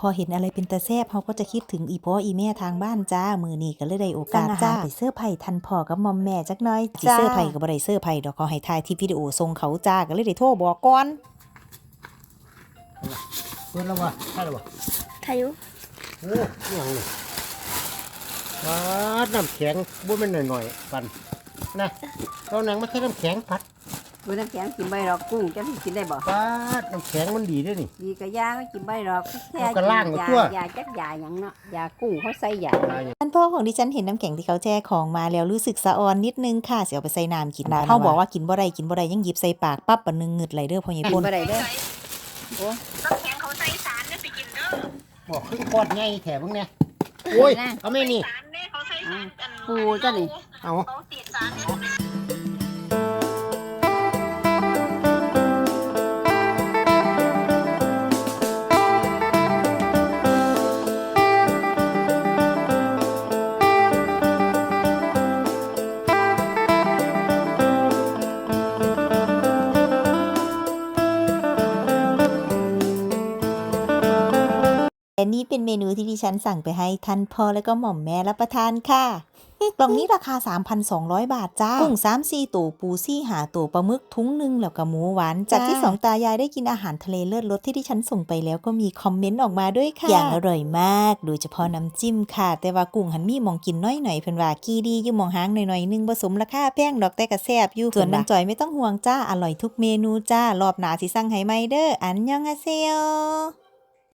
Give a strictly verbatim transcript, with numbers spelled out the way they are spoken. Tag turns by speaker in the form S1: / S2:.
S1: พอเห็นอะไรเป็นตาแซ่บเขาก็จะคิดถึงอีพ่ออีแม่ทางบ้านจ้ามือนี้ก็เลยได้โอกาสจ้าไปเสื้อไผ่ทันพ่อกับมอมแม่จักหน่อยสิเสื้อไผ่ก็บ่ได้เสื้อไผ่ดอกเขาให้ถ่ายที่วิดีโอส่งเขาจ้าก็เลยได้โทรบอกก่อน
S2: เปิดแล้ววะใช่แล้ววะ
S3: ทายุ
S2: โอ้ยยังนี่ปัดน้ำแข็งบุ้มันหน่อยๆปันนะเราหนังไม่ใช่น้ำแข็งปัด
S4: บุ้น้ำแข็งกินใบดอกกุ้งจะกินได้บ่
S2: ปัดน้ำแข็งมันดีด้วยนี่
S4: ดีกระยาก็กินใบดอก
S2: แค่กระล่างตัวย
S4: าจักยาอย่างเนาะยากุ้งเขาใส่ยา
S1: ท่านพ่อของดิฉันเห็นน้ำแข็งที่เขาแช่ของมาแล้วรู้สึกสะออนนิดนึงค่ะเสียเอาไปใส่น้ำกินได้เขาบอกว่ากินบ่ได้กินบ่ได้ยังหยิบใส่ปากปั๊บปะนึงงึดไหลเด้อพ่อใหญ่ปน
S4: บ่ได้เด้อ
S3: โอ้น้ำแข็งเขาใส่สารเนี่ยไปกินเด้อ
S2: บอกขึ้นกอดไงแถบพวกเนี้ยโอ้ยเอาไม่นี่
S4: ปูจ้ะนี่
S2: เอา
S1: และนี่เป็นเมนูที่ดิฉันสั่งไปให้ท่านพ่อและก็หม่อมแม่รับประทานค่ะ กล่องนี้ราคา สามพันสองร้อย บาทจ้ากุ้ง สามสี่ ตัวปูสี่ ห้า ตัวปลาหมึกทุงนึงแล้วก็หมูหวานจากที่สองตายายได้กินอาหารทะเลเลิศรสที่ดิฉันส่งไปแล้วก็มีคอมเมนต์ออกมาด้วยค่ะอย่างอร่อยมากโดยเฉพาะน้ำจิ้มค่ะแต่ว่ากุ้งหันมีมองกินน้อยหน่อยเพิ่นว่ากีดีอยู่มองหางหน่อยๆนึงผสมราคาแพงดอกแต่ก็แซ่บอยู่ส่วนนางจอยไม่ต้องห่วงจ้าอร่อยทุกเมนูจ้ารอบหน้าสิสั่งให้ใหม่เด้ออันยองอาเซโย